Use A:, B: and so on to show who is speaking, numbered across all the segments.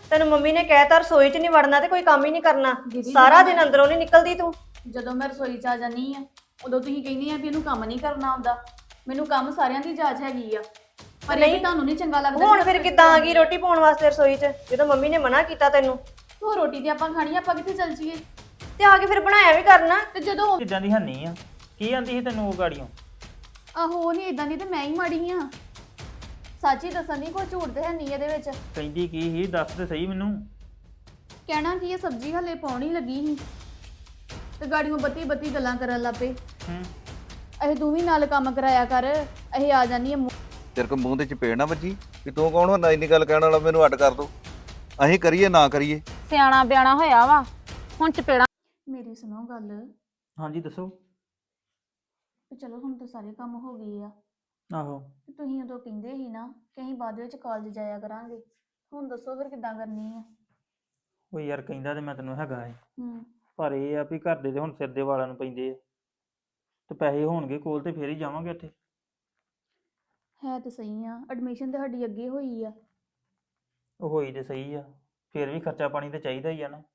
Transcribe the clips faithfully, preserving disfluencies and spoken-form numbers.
A: ਤੈਨੂੰ ਮੰਮੀ ਨੇ ਕਹਿਤਾ ਰਸੋਈ 'ਚ ਨਹੀਂ ਵੜਨਾ ਤੇ ਕੋਈ ਕੰਮ ਹੀ ਨਹੀਂ ਕਰਨਾ।
B: ਦੀਦੀ
A: ਸਾਰਾ
B: ਜਦੋਂ
A: ਦਿਨ
B: ਮੈਂ
A: ਅੰਦਰੋਂ ਨਹੀਂ ਨਿਕਲਦੀ ਤੂੰ।
B: ਜਦੋਂ ਮੈਂ ਰਸੋਈ 'ਚ ਆ ਜਾਨੀ ਆ ਉਦੋਂ ਤੁਸੀਂ ਕਹਿੰਦੇ ਆ ਵੀ ਇਹਨੂੰ ਕੰਮ ਨਹੀਂ ਕਰਨਾ ਆਉਂਦਾ। ਮੈਨੂੰ ਕੰਮ ਸਾਰਿਆਂ ਦੀ ਜਾਚ ਹੈਗੀ ਆ, ਪਰ ਇਹ ਵੀ
A: ਨਹੀਂ।
B: ਤੁਹਾਨੂੰ ਨਹੀਂ ਚੰਗਾ ਲੱਗਦਾ।
A: ਹੁਣ ਫਿਰ ਕਿੱਦਾਂ ਆ ਗਈ ਰੋਟੀ ਪਾਉਣ ਵਾਸਤੇ ਰਸੋਈ 'ਚ ਜਦੋਂ ਮੰਮੀ ਨੇ ਮਨਾ ਕੀਤਾ ਤੈਨੂੰ?
B: ਉਹ ਰੋਟੀ ਤੇ ਆਪਾਂ ਖਾਣੀ ਆ, ਆਪਾਂ ਕਿੱਥੇ ਚੱਲ ਜੀਏ?
A: ਤੇ ਆ ਕੇ ਫਿਰ ਬਣਾਇਆ ਵੀ ਕਰਨਾ।
B: ਤੇ ਜਦੋਂ
C: ਚੀਜ਼ਾਂ ਦੀ ਹੈਨੀ ਆ। ਕੀ ਆਂਦੀ ਸੀ ਤੈਨੂੰ ਉਹ ਗਾੜੀਆਂ?
B: ਆਹੋ ਉਹ ਨਹੀਂ ਇਦਾਂ ਦੀ ਤੇ ਮੈਂ ਹੀ ਮਾੜੀ ਆ। ਸੱਚ ਹੀ ਦੱਸਣ ਦੀ ਕੋਈ ਝੂਠ ਤੇ ਹੈ ਨਹੀਂ ਇਹਦੇ ਵਿੱਚ।
C: ਕਹਿੰਦੀ ਕੀ ਸੀ ਦੱਸ ਤੇ ਸਹੀ ਮੈਨੂੰ।
B: ਕਹਿਣਾ ਕੀ ਇਹ ਸਬਜ਼ੀ ਹਲੇ ਪਾਉਣੀ ਲੱਗੀ ਸੀ ਤੇ ਗਾੜੀਆਂ ਬੱਤੀ ਬੱਤੀ ਗੱਲਾਂ ਕਰਨ ਲੱਗ ਪਏ।
C: ਹੂੰ
B: ਇਹ ਤੂੰ ਵੀ ਨਾਲ ਕੰਮ ਕਰਾਇਆ ਕਰ, ਇਹ ਆ ਜਾਨੀ ਆ।
D: ਤੇਰੇ ਕੋ ਮੂੰਹ ਦੇ ਚਪੇੜ ਨਾ ਵੱਜੀ ਕਿ ਤੂੰ ਕੌਣ ਹੁੰਦਾ ਇੰਨੀ ਗੱਲ ਕਹਿਣ ਵਾਲਾ? ਮੈਨੂੰ ਅੱਡ ਕਰ ਦੋ, ਅਸੀਂ ਕਰੀਏ ਨਾ ਕਰੀਏ।
E: ਸਿਆਣਾ ਬਿਆਣਾ ਹੋਇਆ ਵਾ ਹੁਣ ਚਪੇੜਾ।
B: ਮੇਰੀ ਸੁਣੋ ਗੱਲ,
C: ਹਾਂਜੀ ਦੱਸੋ।
B: ਤੇ ਚਲੋ ਹੁਣ ਤਾਂ ਸਾਰੇ ਕੰਮ ਹੋ ਗਏ ਆ।
C: ਆਹੋ
B: ਤੇ ਤੁਸੀਂ ਉਦੋਂ ਕਹਿੰਦੇ ਸੀ ਨਾ ਕਿ ਅਸੀਂ ਬਾਅਦ ਵਿੱਚ ਕਾਲਜ ਜਾਇਆ ਕਰਾਂਗੇ। ਹੁਣ ਦੱਸੋ ਫਿਰ ਕਿੱਦਾਂ ਕਰਨੀ ਆ?
C: ਉਹ ਯਾਰ ਕਹਿੰਦਾ ਤੇ ਮੈਂ ਤੈਨੂੰ ਹੈਗਾ ਏ,
B: ਹੂੰ
C: ਪਰ ਇਹ ਆ ਵੀ ਘਰ ਦੇ ਤੇ ਹੁਣ ਸਿਰ ਦੇ ਵਾਲਾਂ ਨੂੰ ਪੈਂਦੇ ਆ, ਤੇ ਪੈਸੇ ਹੋਣਗੇ ਕੋਲ ਤੇ ਫੇਰ ਹੀ ਜਾਵਾਂਗੇ ਉੱਥੇ।
B: ਹੈ ਤੇ ਸਹੀ ਆ, ਐਡਮਿਸ਼ਨ ਤੇ ਸਾਡੀ ਅੱਗੇ ਹੋਈ ਆ।
C: ਉਹ ਹੋਈ ਤੇ ਸਹੀ ਆ, ਫੇਰ ਵੀ ਖਰਚਾ ਪਾਣੀ ਤੇ ਚਾਹੀਦਾ ਹੀ ਆ ਨਾ।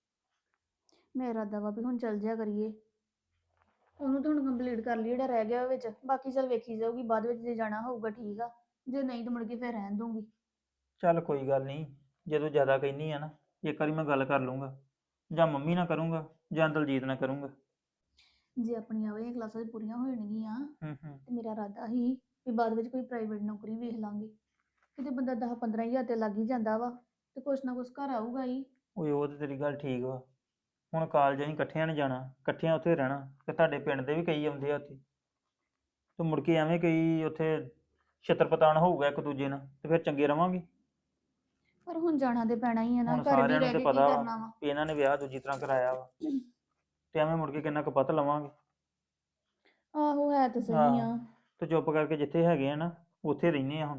B: ਮੇਰਾ ਇਰਾਦਾ ਵਾ ਵੀ ਹੁਣ ਚੱਲ ਜਿਆ ਕਰੀਏ। ਉਹਨੂੰ ਤਾਂ ਹੁਣ ਕੰਪਲੀਟ ਕਰ ਲਈ ਜਿਹੜਾ ਰਹਿ ਗਿਆ ਵਿੱਚ, ਬਾਕੀ ਚੱਲ ਵੇਖੀ ਜਾਊਗੀ ਬਾਅਦ ਵਿੱਚ। ਜੇ ਜਾਣਾ ਹੋਊਗਾ ਠੀਕ ਆ, ਜੇ ਨਹੀਂ ਤਾਂ ਮੁੜ ਕੇ ਫਿਰ ਰਹਿਣ ਦੂੰਗੀ।
C: ਚੱਲ ਕੋਈ ਗੱਲ ਨਹੀਂ, ਜਦੋਂ ਜ਼ਿਆਦਾ ਕਹਿੰਦੀ ਆ ਨਾ ਇੱਕ ਵਾਰੀ ਮੈਂ ਗੱਲ ਕਰ ਲੂੰਗਾ, ਜਾਂ ਮੰਮੀ ਨਾਲ ਕਰੂੰਗਾ ਜਾਂ ਦਲਜੀਤ ਨਾਲ ਕਰੂੰਗਾ।
B: ਜੇ ਆਪਣੀਆਂ ਵਾਲੀਆਂ ਕਲਾਸਾਂ ਪੂਰੀਆਂ ਹੋ ਜਾਣਗੀਆਂ
C: ਹੂੰ ਹੂੰ
B: ਤੇ ਮੇਰਾ ਇਰਾਦਾ ਹੀ ਵੀ ਬਾਅਦ ਵਿੱਚ ਕੋਈ ਪ੍ਰਾਈਵੇਟ ਨੌਕਰੀ ਵੇਖ ਲਾਂਗੇ। ਕਿਤੇ ਬੰਦਾ ਦਸ ਪੰਦਰਾਂ ਹਜ਼ਾਰ ਤੇ ਲੱਗ ਹੀ ਜਾਂਦਾ ਵਾ, ਤੇ ਕੁਛ ਨਾ ਕੁਛ ਘਰ ਆਊਗਾ ਹੀ।
C: ਓਏ ਉਹ ਤੇ ਤੇਰੀ ਗੱਲ ਠੀਕ ਵਾ। ਹੁਣ ਕਾਲਜ ਅਸੀਂ ਇਕੱਠਿਆਂ ਨੇ ਜਾਣਾ, ਇਕੱਠਿਆਂ ਉੱਥੇ ਰਹਿਣਾ, ਤੇ ਤੁਹਾਡੇ ਪਿੰਡ ਦੇ ਵੀ ਕਈ ਆਉਂਦੇ ਆ ਉੱਥੇ, ਤੇ ਮੁੜ ਕੇ ਐਵੇਂ ਕਈ ਉੱਥੇ ਛਿੱਤਰ ਪਤਾਣ ਹੋਊਗਾ ਇੱਕ ਦੂਜੇ ਨਾਲ, ਤੇ ਫਿਰ ਚੰਗੇ ਰਵਾਂਗੇ।
B: ਪਰ ਹੁਣ ਜਾਣਾ ਤੇ ਪੈਣਾ ਹੀ ਆ ਨਾ,
C: ਹੁਣ
B: ਘਰ ਵੀ
C: ਸਾਰਿਆਂ ਨੂੰ
B: ਰਹਿ
C: ਤੇ
B: ਕੇ ਕੀ
C: ਪਤਾ ਵਾ
B: ਕਰਨਾ ਵਾ।
C: ਵੀ ਇਹਨਾਂ ਨੇ ਵਿਆਹ ਦੂਜੀ ਤਰ੍ਹਾਂ ਕਰਾਇਆ ਵਾ, ਤੇ ਐਵੇਂ ਮੁੜ ਕੇ ਕਿੰਨਾ ਕੁ ਪਤ ਲਵਾਂਗੇ।
B: ਆਹੋ ਹੈ ਤਾਂ ਸਹੀ ਆ।
C: ਆਹੋ। ਤੇ ਚੁੱਪ ਕਰਕੇ ਜਿੱਥੇ ਹੈਗੇ ਆ ਨਾ ਉੱਥੇ ਰਹਿੰਦੇ ਆ ਹੁਣ।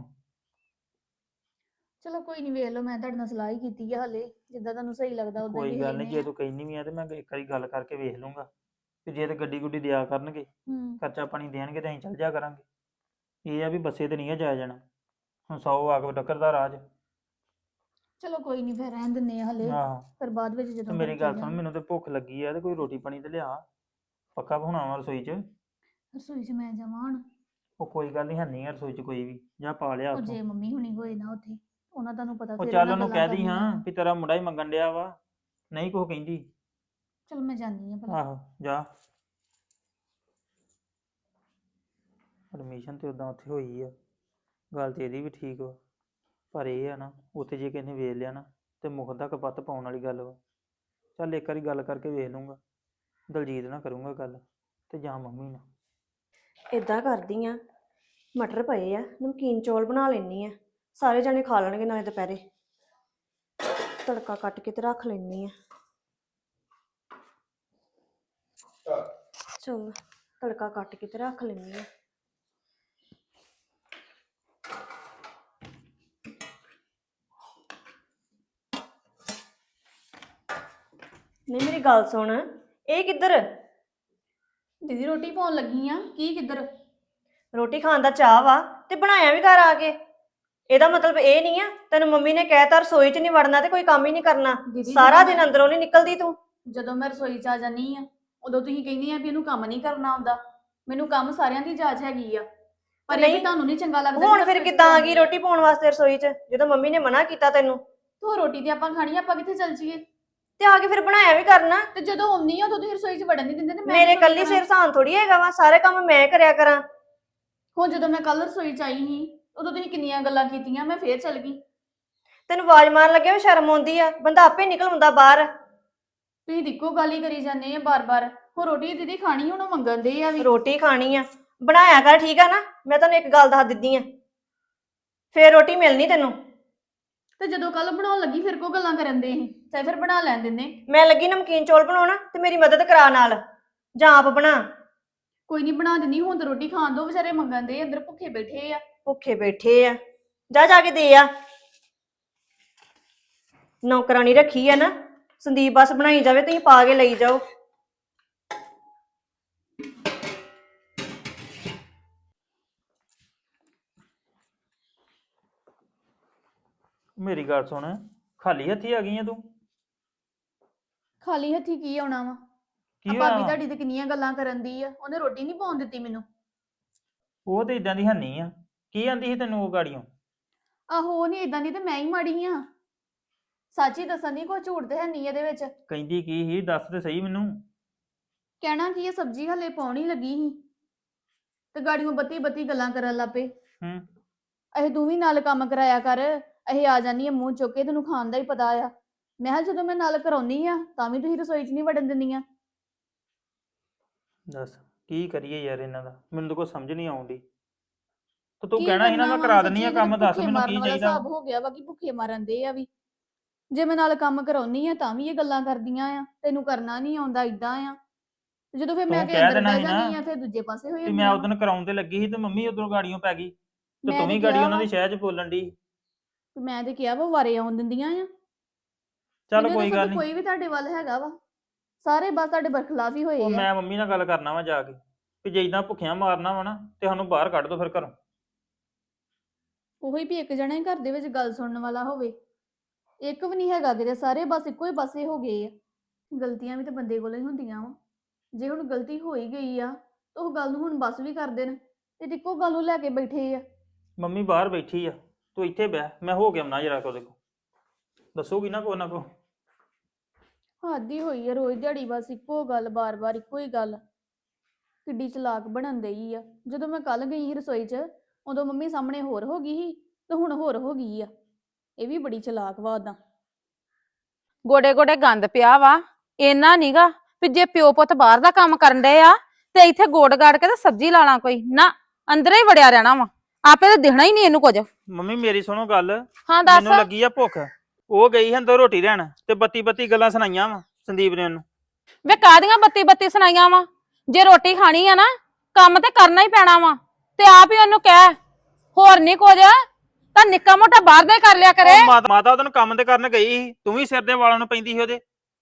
B: ਚਲੋ ਕੋਈ ਨਹੀਂ, ਵੇਖ ਲਓ। ਮੈਂ ਤੁਹਾਡੇ ਨਾਲ ਸਲਾਹ ਹੀ ਕੀਤੀ ਆ ਹਲੇ, ਜਿੱਦਾਂ ਤੁਹਾਨੂੰ ਸਹੀ ਲੱਗਦਾ ਉਦਾਂ ਹੀ
C: ਕੋਈ
B: ਵੇਖ
C: ਗੱਲ ਨਹੀਂ,
B: ਲੈਂਦੇ
C: ਜੇ
B: ਆ।
C: ਤੂੰ ਕਹਿੰਦੀ ਵੀ ਆ ਤੇ ਮੈਂ ਇੱਕ ਵਾਰੀ ਗੱਲ ਕਰਕੇ ਵੇਖ ਲੂੰਗਾ, ਤੇ ਜੇ ਤੇ ਗੱਡੀ ਗੁੱਡੀ ਦਿਆ ਕਰਨਗੇ,
B: ਹੂੰ
C: ਖਰਚਾ ਪਾਣੀ ਦੇਣਗੇ, ਤੇ ਅਸੀਂ ਚੱਲ ਜਾ ਕਰਾਂਗੇ। ਇਹ ਆ ਵੀ ਬੱਸੇ ਤੇ ਨਹੀਂ ਆ ਜਾਇਆ ਜਾਣਾ, ਹੁਣ ਸੌ ਆ ਕੇ ਟੱਕਰਦਾ ਰਾਜ।
B: ਚਲੋ ਕੋਈ ਨਹੀਂ, ਫਿਰ ਰਹਿਣ ਦਿੰਦੇ ਆ ਹਲੇ।
C: ਆਹੋ
B: ਫਿਰ ਬਾਅਦ ਵਿੱਚ
C: ਤੇ
B: ਜਦੋਂ
C: ਮੇਰੀ
B: ਘਰ
C: ਗੱਲ
B: ਚੱਲ
C: ਸੁਣ,
B: ਜਾਣਾ।
C: ਮੈਨੂੰ ਤੇ ਭੁੱਖ ਲੱਗੀ ਆ, ਤੇ ਕੋਈ ਰੋਟੀ ਪਾਣੀ ਤੇ ਲਿਆ, ਪੱਕਾ ਹੋਣਾ ਵਾ ਰਸੋਈ 'ਚ।
B: ਰਸੋਈ 'ਚ ਮੈਂ ਜਾਵਾਂ ਹੁਣ?
C: ਉਹ ਕੋਈ ਗੱਲ ਨਹੀਂ, ਹੈਨੀ ਆ ਰਸੋਈ 'ਚ ਕੋਈ ਵੀ, ਜਾਂ ਪਾ ਲਿਆ
B: ਉਹ
C: ਉੱਥੋਂ।
B: ਜੇ ਮੰਮੀ ਹੁਣੀ ਹੋਏ ਨਾ ਉੱਥੇ, ਉਹਨਾਂ ਤੁਹਾਨੂੰ ਪਤਾ
C: ਉਹ
B: ਫਿਰ
C: ਚੱਲ
B: ਉਹਨਾਂ
C: ਉਹਨੂੰ
B: ਗੱਲਾਂ
C: ਕਹਿ ਦੀ ਹਾਂ
B: ਕਰਨੀਆਂ।
C: ਵੀ ਤੇਰਾ ਮੁੰਡਾ ਹੀ ਮੰਗਣ ਡਿਆ ਵਾ, ਨਹੀਂ ਕੁਛ ਕਹਿੰਦੀ।
B: ਚਲ ਮੈਂ ਜਾਂਦੀ ਆ ਭਲਾ।
C: ਆਹੋ ਜਾ। ਐਡਮਿਸ਼ਨ ਤੇ ਉਦਾਂ ਉੱਥੇ ਹੋਈ ਆ, ਗੱਲ ਤੇ ਇਹਦੀ ਵੀ ਠੀਕ ਵਾ, ਪਰ ਇਹ ਆ ਨਾ ਉੱਥੇ ਜੇ ਕਿਸੇ ਨੇ ਵੇਖ ਲਿਆ ਨਾ ਤੇ ਮੁੱਖ ਦਾ ਕਪੱਤ ਪਾਉਣ ਵਾਲੀ ਗੱਲ ਵਾ। ਚੱਲ ਇੱਕ ਵਾਰੀ ਗੱਲ ਕਰਕੇ ਵੇਖ ਲੂੰਗਾ, ਦਲਜੀਤ ਨਾਲ ਕਰੂੰਗਾ ਗੱਲ, ਤੇ ਜਾਂ ਮੰਮੀ ਨਾਲ।
A: ਇਦਾਂ ਕਰਦੀ ਆ, ਮਟਰ ਪਏ ਆ, ਨਮਕੀਨ ਚੌਲ ਬਣਾ ਲੈਣੀ ਆ, ਸਾਰੇ ਜਣੇ ਖਾ ਲੈਣਗੇ ਨਾਲੇ ਦੁਪਹਿਰੇ। ਤੜਕਾ ਕੱਟ ਕੇ ਤੇ ਰੱਖ ਲੈਣੀ ਆ। ਚਲ ਤੜਕਾ ਕੱਟ ਕੇ ਤੇ ਰੱਖ ਲੈਣੀ ਆ। ਨਹੀਂ ਮੇਰੀ ਗੱਲ ਸੁਣ, ਇਹ ਕਿੱਧਰ?
B: ਦੀਦੀ ਰੋਟੀ ਪਾਉਣ ਲੱਗੀ ਆ। ਕੀ ਕਿੱਧਰ?
A: ਰੋਟੀ ਖਾਣ ਦਾ ਚਾਹ ਵਾ ਤੇ ਬਣਾਇਆ ਵੀ ਘਰ ਆ ਕੇ। ਇਹਦਾ ਮਤਲਬ ਇਹ ਨਹੀਂ ਆ ਤੈਨੂੰ ਮੰਮੀ ਨੇ ਕਹਿਤਾ ਰਸੋਈ 'ਚ ਨਹੀਂ ਵੜਨਾ ਤੇ ਕੋਈ ਕੰਮ ਹੀ ਨਹੀਂ ਕਰਨਾ।
B: ਦੀਦੀ
A: ਸਾਰਾ
B: ਜਦੋਂ
A: ਦਿਨ
B: ਮੈਂ-
A: ਅੰਦਰੋਂ ਨਹੀਂ ਨਿਕਲਦੀ ਤੂੰ।
B: ਜਦੋਂ ਮੈਂ ਰਸੋਈ 'ਚ ਆ ਜਾਨੀ ਆ ਉਦੋਂ ਤੁਸੀਂ ਕਹਿੰਦੇ ਆ ਵੀ ਇਹਨੂੰ ਕੰਮ ਨਹੀਂ ਕਰਨਾ ਆਉਂਦਾ। ਮੈਨੂੰ ਕੰਮ ਸਾਰਿਆਂ ਦੀ ਜਾਚ ਹੈਗੀ ਆ, ਪਰ ਇਹ ਵੀ
A: ਨਹੀਂ।
B: ਤੁਹਾਨੂੰ ਨਹੀਂ ਚੰਗਾ ਲੱਗਦਾ।
A: ਹੁਣ ਫਿਰ ਕਿੱਦਾਂ ਆ ਗਈ ਰੋਟੀ ਪਾਉਣ ਵਾਸਤੇ ਰਸੋਈ 'ਚ ਜਦੋਂ ਮੰਮੀ ਨੇ ਮਨਾ ਕੀਤਾ ਤੈਨੂੰ?
B: ਤੂੰ ਰੋਟੀ ਤੇ ਆਪਾਂ ਖਾਣੀ ਆ, ਆਪਾਂ ਕਿੱਥੇ ਚੱਲ ਜੀਏ?
A: ਤੇ ਆ ਕੇ ਫਿਰ ਬਣਾਇਆ ਵੀ ਕਰਨਾ।
B: ਤੇ ਜਦੋਂ ਆਉਂਦੀ ਆ ਉਦੋਂ ਤੁਸੀਂ ਰਸੋਈ 'ਚ ਵੜਨ ਨਹੀਂ ਦਿੰਦੇ ਤੇ ਮੈਂ
A: ਮੇਰੇ
B: ਕਿਉਂ
A: ਕੱਲੀ
B: ਕਰਾਂ?
A: ਸਿਰ ਸਾਨ ਥੋੜੀ ਹੈਗਾ ਵਾ, ਸਾਰੇ ਕੰਮ ਮੈਂ ਕਰਿਆ ਕਰਾਂ।
B: ਹੁਣ ਜਦੋਂ ਮੈਂ ਕੱਲ ਰਸੋਈ 'ਚ ਆਈ ਸੀ ਉਦੋਂ ਤੁਸੀਂ ਕਿੰਨੀਆਂ ਗੱਲਾਂ ਕੀਤੀਆਂ, ਮੈਂ ਫੇਰ ਚੱਲ ਗਈ।
A: ਤੈਨੂੰ ਆਵਾਜ਼ ਮਾਰਨ ਲੱਗਿਆ ਵੀ ਸ਼ਰਮ ਆਉਂਦੀ ਆ, ਬੰਦਾ ਆਪੇ ਨਿਕਲ ਆਉਂਦਾ ਬਾਹਰ।
B: ਤੁਸੀਂ ਇੱਕੋ ਗੱਲ ਹੀ ਕਰੀ ਜਾਂਦੇ ਆ ਬਾਰ-ਬਾਰ। ਹੁਣ ਰੋਟੀ ਦੀਦੀ ਖਾਣੀ, ਹੁਣ ਉਹ ਮੰਗਣ ਦੇ ਆ ਵੀ।
A: ਰੋਟੀ ਖਾਣੀ ਆ, ਬਣਾਇਆ ਕਰ, ਠੀਕ ਆ ਨਾ? ਮੈਂ ਤੁਹਾਨੂੰ ਇੱਕ ਗੱਲ ਦੱਸ ਦਿੱਤੀ ਆ, ਫੇਰ ਰੋਟੀ ਮਿਲਣੀ ਤੈਨੂੰ।
B: ਤੇ ਜਦੋਂ ਕੱਲ ਬਣਾਉਣ ਲੱਗੀ ਫਿਰ ਕੋ ਗੱਲਾਂ ਕਰਨ ਦੇ ਸੀ, ਚਾਹੇ ਫਿਰ ਬਣਾ ਲੈਣ ਦਿੰਦੇ।
A: ਮੈਂ ਲੱਗੀ ਨਮਕੀਨ ਚੌਲ ਬਣਾਉਣਾ ਤੇ ਮੇਰੀ ਮਦਦ ਕਰਾ ਨਾਲ, ਜਾਂ ਆਪ ਬਣਾ।
B: ਕੋਈ ਨਹੀਂ ਬਣਾ ਦਿੰਦੀ, ਹੁਣ ਤਾਂ ਰੋਟੀ ਖਾਣ ਦੋ, ਵਿਚਾਰੇ ਮੰਗਣ ਦੇ ਅੰਦਰ ਭੁੱਖੇ ਬੈਠੇ ਆ।
A: ਭੁੱਖੇ ਬੈਠੇ ਆ, ਜਾ ਜਾ ਕੇ ਦੇ ਆ। ਨੌਕਰਾਨੀ ਰੱਖੀ ਆ ਨਾ, ਸੰਦੀਪ ਬਸ ਬਣਾਈ ਜਾਵੇ, ਤੁਸੀਂ ਪਾ ਕੇ ਲਈ ਜਾਓ।
C: ਮੇਰੀ ਗੱਲ ਸੁਣ, ਖਾਲੀ ਹੱਥੀ ਆ ਗਈ ਆ ਤੂੰ?
B: ਖਾਲੀ ਹੱਥੀ ਕੀ ਆਉਣਾ ਵਾ?
C: ਕੀ
B: ਆ
C: ਹੋਇਆ
B: ਭਾਬੀ
C: ਵਾ?
B: ਤੁਹਾਡੀ ਤੇ ਕਿੰਨੀਆਂ ਗੱਲਾਂ ਕਰਨ ਦੀ ਆ, ਉਹਨੇ ਰੋਟੀ ਨਹੀਂ ਪਾਉਣ ਦਿੱਤੀ ਮੈਨੂੰ।
C: ਉਹ ਤੇ ਇਦਾਂ ਦੀ ਹੰਨੀ ਆ। ਕੀ ਆਂਦੀ ਸੀ ਤੈਨੂੰ ਉਹ ਗਾੜੀਆਂ?
B: ਆਹੋ ਉਹ ਨਹੀਂ ਇਦਾਂ ਦੀ ਤੇ ਮੈਂ ਹੀ ਮਾੜੀ ਆ। ਸੱਚ ਹੀ ਦੱਸਣ ਦੀ, ਕੋਈ ਝੂਠ ਤੇ ਹੈ ਨਹੀਂ ਇਹਦੇ ਵਿੱਚ।
C: ਕਹਿੰਦੀ ਕੀ ਸੀ ਦੱਸ ਤੇ ਸਹੀ ਮੈਨੂੰ।
B: ਕਹਿਣਾ ਕੀ ਇਹ ਸਬਜ਼ੀ ਹਲੇ ਪਾਉਣੀ ਲੱਗੀ ਸੀ ਤੇ ਗਾੜੀਆਂ ਬੱਤੀ ਬੱਤੀ ਗੱਲਾਂ ਕਰਨ ਲੱਗ ਪਏ।
C: ਹੂੰ।
B: ਇਹ ਤੂੰ ਵੀ ਨਾਲ ਕੰਮ ਕਰਾਇਆ ਕਰ, ਇਹ ਆ ਜਾਨੀ ਆ ਮੂੰਹ ਚੁੱਕ ਕੇ, ਤੈਨੂੰ ਖਾਣ ਦਾ ਹੀ ਪਤਾ ਆ। ਮੈਂ ਕਿਹਾ ਜਦੋਂ ਮੈਂ ਨਾਲ ਕਰਾਉਣੀ ਆ ਤਾਂ ਵੀ ਤੁਸੀਂ ਰਸੋਈ 'ਚ ਨਹੀਂ ਵੜਨ ਦਿੰਦੀਆਂ।
C: ਦੱਸ ਕੀ ਕਰੀਏ ਯਾਰ ਇਹਨਾਂ ਦਾ, ਮੈਨੂੰ ਤਾਂ ਕੋਈ ਸਮਝ ਨਹੀਂ ਆਉਂਦੀ। ਤੇ ਤੂੰ
B: ਕੀ
C: ਕਹਿਣਾ ਸੀ ਨਾ
B: ਕਰਨਾ
C: ਮੈਂ
B: ਵਾ,
C: ਕਰਾ ਦਿੰਨੀ ਆ
B: ਸੱਚੀ
C: ਕੰਮ, ਦੱਸ
B: ਭੁੱਖੇ
C: ਮੈਨੂੰ
B: ਮਾਰਨ
C: ਕੀ
B: ਵਾਲਾ
C: ਚਾਹੀਦਾ।
B: ਹਿਸਾਬ ਹੋ ਗਿਆ ਵਾ ਕਿ ਭੁੱਖੇ ਮਾਰਨ ਦੇ ਆ ਵੀ। ਜੇ ਮੈਂ ਨਾਲ ਕੰਮ ਕਰਾਉਣੀ ਆ ਤਾਂ ਵੀ ਇਹ ਗੱਲਾਂ ਕਰਦੀਆਂ ਆ, ਤੈਨੂੰ ਕਰਨਾ ਨਹੀਂ ਆਉਂਦਾ, ਇਦਾਂ ਆ। ਤੇ ਜਦੋਂ ਫਿਰ ਮੈਂ
C: ਤੂੰ
B: ਕਿ
C: ਕਹਿ
B: ਅੰਦਰ
C: ਦੇਣਾ
B: ਬਹਿ
C: ਸੀ
B: ਜਾਂਦੀ
C: ਨਾ
B: ਆ ਫਿਰ ਦੂਜੇ ਪਾਸੇ ਹੋ
C: ਤੇ
B: ਜਾਂਦੀ
C: ਮੈਂ
B: ਆ।
C: ਉਦੋਂ ਕਰਾਉਣ ਤੇ ਲੱਗੀ ਸੀ ਤੇ ਮੰਮੀ ਉਧਰੋਂ ਗਾੜੀਆਂ ਪੈ ਗਈ ਤੇ
B: ਮੈਂ
C: ਤੂੰ
B: ਤੇ
C: ਵੀ ਗਾੜੀ
B: ਕਿਹਾ
C: ਉਹਨਾਂ ਦੀ
B: ਵਾ-
C: ਸ਼ਹਿਰ 'ਚ ਬੋਲਣ ਦੀ।
B: ਮੈਂ ਤੇ ਕਿਹਾ ਵਾ ਵਾਰੇ ਆਉਣ ਦਿੰਦੀਆਂ ਆ।
C: ਚੱਲ
B: ਮੈਨੂੰ
C: ਕੋਈ
B: ਦੱਸੋ
C: ਗੱਲ
B: ਵੀ
C: ਨਹੀਂ।
B: ਕੋਈ ਵੀ ਤੁਹਾਡੇ ਵੱਲ ਹੈਗਾ ਵਾ? ਸਾਰੇ ਬਸ ਤੁਹਾਡੇ ਬਰਖਲਾਫ ਹੀ ਹੋਏ
C: ਉਹ
B: ਆ।
C: ਮੈਂ ਮੰਮੀ ਨਾਲ ਗੱਲ ਕਰਨਾ ਵਾ ਜਾ ਕੇ ਵੀ ਜੇ ਇਦਾਂ ਭੁੱਖਿਆਂ ਮਾਰਨਾ ਵਾ ਨਾ ਤੇ ਸਾਨੂੰ ਬਾਹਰ ਕੱਢ ਦੋ ਫਿਰ ਘਰੋਂ।
B: ਉਹੀ ਵੀ ਇੱਕ ਜਣਾ ਹੀ ਘਰ ਦੇ ਵਿੱਚ ਗੱਲ ਸੁਣਨ ਵਾਲਾ ਹੋਵੇ, ਇੱਕ ਵੀ ਨਹੀਂ ਹੈਗਾ ਕਿਤੇ, ਸਾਰੇ ਬਸ ਇੱਕੋ ਹੀ ਪਾਸੇ ਹੋ ਗਏ ਆ। ਗਲਤੀਆਂ ਵੀ ਤਾਂ ਬੰਦੇ ਕੋਲੋਂ ਹੀ ਹੁੰਦੀਆਂ ਵਾ। ਜੇ ਹੁਣ ਗਲਤੀ ਹੋ ਹੀ ਗਈ ਆ ਤਾਂ ਉਹ ਗੱਲ ਨੂੰ ਹੁਣ ਬਸ ਵੀ ਕਰ ਦੇਣ ਤੇ ਇੱਕੋ ਗੱਲ ਨੂੰ ਲੈ ਕੇ ਬੈਠੇ ਆ।
C: ਮੰਮੀ ਬਾਹਰ ਬੈਠੀ ਆ, ਤੂੰ ਇੱਥੇ ਬਹਿ, ਮੈਂ ਹੋ ਕੇ ਆਉਣਾ ਜਰਾ ਉਹਦੇ ਕੋਲ। ਦੱਸੋਗੀ ਨਾ ਕੋ ਨਾ ਕੋ।
B: ਹੱਦ ਹੀ ਹੋਈ ਆ, ਰੋਜ਼ ਦਿਹਾੜੀ ਬਸ ਇੱਕੋ ਗੱਲ, ਬਾਰ-ਬਾਰ ਇੱਕੋ ਹੀ ਗੱਲ। ਕਿੱਡੀ ਚਲਾਕ ਬਣਨ ਦਈ ਆ। ਜਦੋਂ ਮੈਂ ਕੱਲ ਗਈ ਸੀ ਰਸੋਈ 'ਚ ਉਦੋਂ ਮੰਮੀ ਸਾਹਮਣੇ ਹੋਰ ਹੋ ਗਈ ਸੀ ਤੇ ਹੁਣ ਹੋਰ ਹੋ ਗਈ ਆ। ਇਹ ਵੀ ਬੜੀ ਚਲਾਕ ਵਾ ਉਦਾਂ।
E: ਗੋਡੇ ਗੋਡੇ ਗੰਦ ਪਿਆ ਵਾ। ਇੰਨਾ ਨੀਗਾ ਵੀ ਜੇ ਪਿਓ ਪੁੱਤ ਬਾਹਰ ਦਾ ਕੰਮ ਕਰਨ ਡਏ ਆ ਤੇ ਇੱਥੇ ਗੋਡ ਗਾੜ ਕੇ ਤੇ ਸਬਜ਼ੀ ਲਾਣਾ ਕੋਈ ਨਾ, ਅੰਦਰੇ ਹੀ ਵੜਿਆ ਰਹਿਣਾ ਵਾ। ਆਪੇ ਤਾਂ ਦਿਖਣਾ ਹੀ ਨਹੀਂ ਇਹਨੂੰ ਕੁਝ।
C: ਮੰਮੀ ਮੇਰੀ ਸੁਣੋ ਗੱਲ,
E: ਹਾਂ ਦੱਸ।
C: ਮੈਨੂੰ ਲੱਗੀ ਆ ਭੁੱਖ। ਉਹ ਗਈ ਸੀ ਅੰਦਰ ਰੋਟੀ ਲੈਣ ਤੇ ਬੱਤੀ ਬੱਤੀ ਗੱਲਾਂ ਸੁਣਾਈਆਂ ਵਾ ਸੰਦੀਪ ਨੇ ਉਹਨੂੰ।
E: ਵੇ ਕਾਹਦੀਆਂ ਬੱਤੀ ਬੱਤੀ ਸੁਣਾਈਆਂ ਵਾ? ਜੇ ਰੋਟੀ ਖਾਣੀ ਆ ਨਾ ਕੰਮ ਤੇ ਕਰਨਾ ਹੀ ਪੈਣਾ ਵਾ। ਤੇ ਆਪ ਹੀ ਉਹਨੂੰ ਕਹਿ ਹੋਰ ਨਹੀਂ ਕੁਝ ਤਾਂ ਨਿੱਕਾ ਮੋਟਾ ਬਾਹਰ ਦਾ ਹੀ ਕਰ ਲਿਆ ਕਰੇ।
C: ਉਹ ਮਾਤਾ ਮਾਤਾ ਉਹਨੂੰ ਕੰਮ ਤੇ ਕਰਨ ਗਈ ਸੀ, ਤੂੰ ਵੀ ਸਿਰ ਦੇ ਵਾਲਾਂ ਨੂੰ ਪੈਂਦੀ ਸੀ ਉਹਦੇ।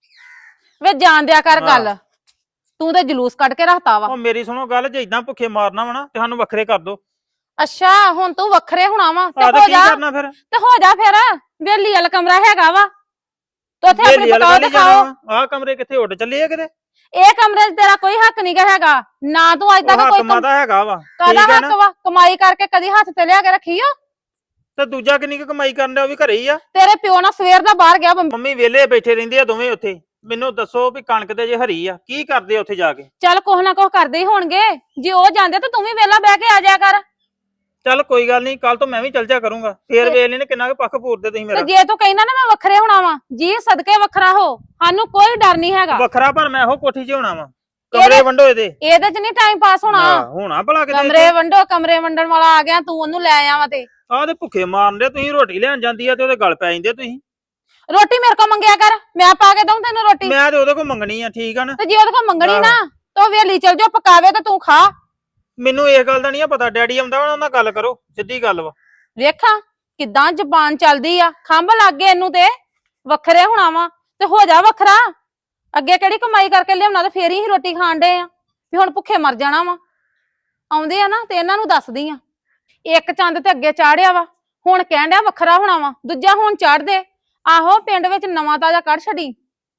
E: ਵੇ ਜਾਣ ਦਿਆ ਕਰ
C: ਹਾਂ।
E: ਗੱਲ, ਤੂੰ ਤੇ ਜਲੂਸ ਕੱਢ ਕੇ ਰੱਖਤਾ ਵਾ।
C: ਉਹ ਮੇਰੀ ਸੁਣੋ ਗੱਲ, ਜੇ ਇਦਾਂ ਭੁੱਖੇ ਮਾਰਨਾ ਵਾ ਨਾ ਤੇ ਸਾਨੂੰ ਵੱਖਰੇ ਕਰ ਦੋ।
E: ਅੱਛਾ ਹੁਣ ਤੂੰ ਵੱਖਰੇ ਹੋਣਾ ਵਾ ਤੇ
C: ਆਹ ਤਾਂ
E: ਹੋ
C: ਕੀ
E: ਜਾ
C: ਕਰਨਾ ਫਿਰ?
E: ਤੇ ਹੋ ਜਾ ਫਿਰ। ਵੇਲੀ ਵਾਲਾ ਕਮਰਾ ਹੈਗਾ ਵਾ ਤੇ ਉੱਥੇ ਆਪਣੀ
C: ਵੇਲੀ ਵਾਲਾ
E: ਪਕਾਓ
C: ਨਹੀਂ
E: ਤੇ ਖਾਓ।
C: ਜਾਣਾ। ਆਹ ਕਮਰੇ ਕਿੱਥੇ ਉੱਡ ਚੱਲੇ ਆ ਕਿਤੇ?
E: ਇਹ ਕਮਰੇ 'ਚ ਤੇਰਾ ਕੋਈ ਹੱਕ ਨਹੀਂ ਹੈਗਾ ਨਾ। ਤੂੰ ਅੱਜ
C: ਉਹ
E: ਤੱਕ
C: ਹੱਕ
E: ਕੋਈ ਕਮ-
C: ਮਾਤਾ ਹੈਗਾ ਵਾ,
E: ਕਾਹਦਾ
C: ਠੀਕ ਹੈ
E: ਹੱਕ
C: ਨਾ?
E: ਵਾ? ਕਮਾਈ ਕਰਕੇ ਕਦੀ ਹੱਥ ਤੇ ਲਿਆ ਕੇ ਰੱਖੀ ਓ?
C: ਤੇ ਦੂਜਾ ਕਿੰਨੀ ਕੁ ਕਮਾਈ ਕਰਨ ਡਿਆ, ਉਹ ਵੀ ਘਰੇ ਹੀ ਆ।
E: ਤੇਰੇ ਪਿਓ ਨਾਲ ਸਵੇਰ ਦਾ ਬਾਹਰ ਗਿਆ ਬੰਬ-
C: ਮੰਮੀ ਵਿਹਲੇ ਬੈਠੇ ਰਹਿੰਦੇ ਆ ਦੋਵੇਂ ਉੱਥੇ। ਮੈਨੂੰ ਦੱਸੋ ਵੀ ਕਣਕ ਤੇ ਜੇ ਹਰੀ ਆ ਕੀ ਕਰਦੇ ਆ ਉੱਥੇ ਜਾ ਕੇ?
E: ਚੱਲ ਕੁਛ ਨਾ ਕੁਛ ਕਰਦੇ ਹੀ ਹੋਣਗੇ। ਜੇ ਉਹ ਜਾਂਦੇ ਤਾਂ ਤੂੰ ਵੀ ਵਿਹਲਾ ਬਹਿ ਕੇ ਆ ਜਾਇਆ ਕਰ।
C: ਚੱਲ ਕੋਈ ਗੱਲ ਨਹੀਂ, ਕੱਲ ਤੋਂ ਮੈਂ ਵੀ ਚੱਲ ਜਾ ਕਰੂੰਗਾ। ਫੇਰ ਵੇਖ ਲੈਣੇ ਕਿੰਨਾ ਕੁ ਪੱਖ ਪੂਰਦੇ ਤੁਸੀਂ
E: ਤੇ
C: ਮੇਰਾ।
E: ਜੇ ਤੂੰ ਕਹਿੰਦਾ ਨਾ ਮੈਂ ਵੱਖਰੇ ਹੋਣਾ ਵਾ, ਜੀ ਸਦਕੇ ਵੱਖਰਾ ਹੋ, ਸਾਨੂੰ ਕੋਈ ਡਰ ਨਹੀਂ ਹੈਗਾ।
C: ਵੱਖਰਾ ਪਰ ਮੈਂ ਇਹੋ ਕੋਠੀ 'ਚ ਹੋਣਾ ਵਾ। ਕਮਰੇ ਵੰਡੋ ਇਹਦੇ।
E: ਇਹਦੇ 'ਚ ਨਹੀਂ ਟਾਈਮ ਪਾਸ ਹੋਣਾ।
C: ਹਾਂ, ਹੋਣਾ ਭਲਾ ਕਿਤੇ
E: ਕਮਰੇ ਵੰਡੋ, ਕਮਰੇ ਵੰਡਣ ਵਾਲਾ ਆ ਗਿਆ, ਤੂੰ ਉਹਨੂੰ ਲੈ ਆਵਾਂ ਤੇ।
C: ਆਹ ਤੇ ਭੁੱਖੇ ਮਾਰਨ ਦੇ ਤੁਸੀਂ, ਰੋਟੀ ਲੈਣ ਜਾਂਦੀ ਆ ਤੇ ਉਹਦੇ ਗਲ ਪੈ ਜਾਂਦੇ ਤੁਸੀਂ।
E: ਰੋਟੀ ਮੇਰੇ ਕੋਲ ਮੰਗਿਆ ਕਰ, ਮੈਂ ਪਾ ਕੇ ਦਊਂ ਤੈਨੂੰ ਰੋਟੀ।
C: ਮੈਂ ਤੇ ਉਹਦੇ ਕੋਲ ਮੰਗਣੀ ਆ, ਠੀਕ ਆ ਨਾ?
E: ਤੇ ਜੇ ਉਹਦੇ ਕੋਲ ਮੰਗਣੀ
C: ਆਹੋ।
E: ਨਾ ਤਾਂ ਵੇਲੀ ਚਲ ਜਾ, ਪਕਾਵੇ ਤੇ ਤੂੰ ਖਾ।
C: ਮੈਨੂੰ ਇਸ ਗੱਲ ਦਾ ਨਹੀਂ ਪਤਾ। ਡੈਡੀ ਆਉਂਦਾ ਵਾ, ਉਹਨਾਂ ਨਾਲ ਗੱਲ ਕਰੋ, ਸਿੱਧੀ ਗੱਲ ਵਾ।
E: ਵੇਖਾਂ ਕਿੱਦਾਂ ਜ਼ਬਾਨ ਚੱਲਦੀ ਆ। ਖੰਭ ਲੱਗ ਗਏ ਇਹਨੂੰ ਤੇ ਵੱਖਰੇ ਹੋਣਾ ਵਾ ਤੇ ਹੋ ਜਾ ਵੱਖਰਾ। ਅੱਗੇ ਕਿਹੜੀ ਕਮਾਈ ਕਰਕੇ ਲਿਆਉਣਾ ਤੇ ਫੇਰ ਹੀ ਰੋਟੀ ਖਾਣ ਡੇ ਆ ਵੀ ਹੁਣ ਭੁੱਖੇ ਮਰ ਜਾਣਾ ਵਾ। ਆਉਂਦੇ ਆ ਨਾ ਤੇ ਇਹਨਾਂ ਨੂੰ ਦੱਸਦੀ ਆ, ਇੱਕ ਚੰਦ ਤੇ ਅੱਗੇ ਚਾੜਿਆ ਵਾ, ਹੁਣ ਕਹਿਣ ਡਿਆ ਵੱਖਰਾ ਹੋਣਾ ਵਾ, ਦੂਜਾ ਹੁਣ ਚੜ ਦੇ। ਆਹੋ ਪਿੰਡ ਵਿੱਚ ਨਵਾਂ ਤਾਜ਼ਾ ਕੱਢ ਛੱਡੀ।